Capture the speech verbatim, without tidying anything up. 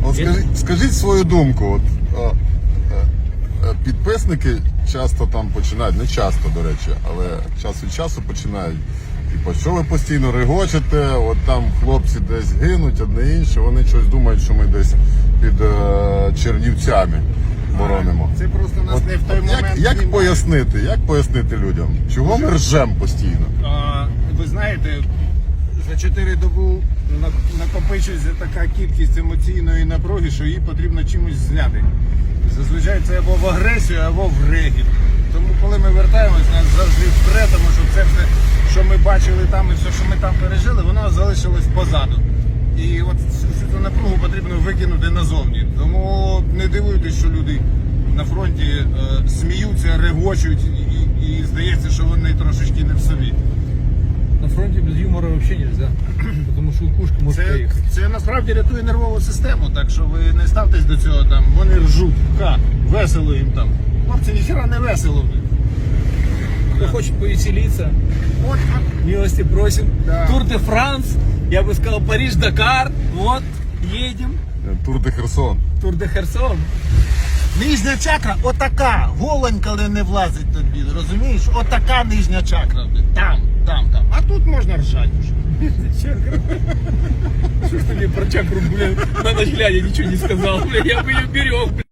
От скажіть, скажіть свою думку. От, а, а, підписники часто там починають, не часто, до речі, але час від часу починають. Типу, що ви постійно регочете, от там хлопці десь гинуть, одне інше, вони щось думають, що ми десь під е, Чернівцями боронимо. Це просто нас От, не в той от момент. як, як знімає. пояснити, як пояснити людям, чого ми ржем постійно? А, ви знаєте, за чотири доби на- накопичується така кількість емоційної напруги, що її потрібно чимось зняти. Зазвичай це або в агресію, або в регіт. Тому коли ми вертаємось, нас завжди впре, тому що це все, що ми бачили там і все, що ми там пережили, воно залишилось позаду. І от цю напругу потрібно викинути назовні. Тому не дивуйтесь, що люди на фронті е, сміються, регочуть і, і здається, що вони трошечки не в собі. На фронте без юмора вообще нельзя, потому что кукушка может Це, поехать. це насправді рятує нервову систему, так що ви не ставтесь до цього там, вони ржуть, ха, весело їм там. Хлопці, ніхера не весело. Кто хочет повеселиться, От, от. милости просим. Да. Тур де Франс, я бы сказал Париж-Дакар, вот, едем. Тур де Херсон. Тур де Херсон. Нижня чакра отака, голень, коли не влазить тобі, розумієш? Отака нижня чакра. Там, там, там. А тут можна ржати вже. Что ж ты мне про чакру, блин, на ночь глядя ничего не сказал, блин, я бы ее берег, блин.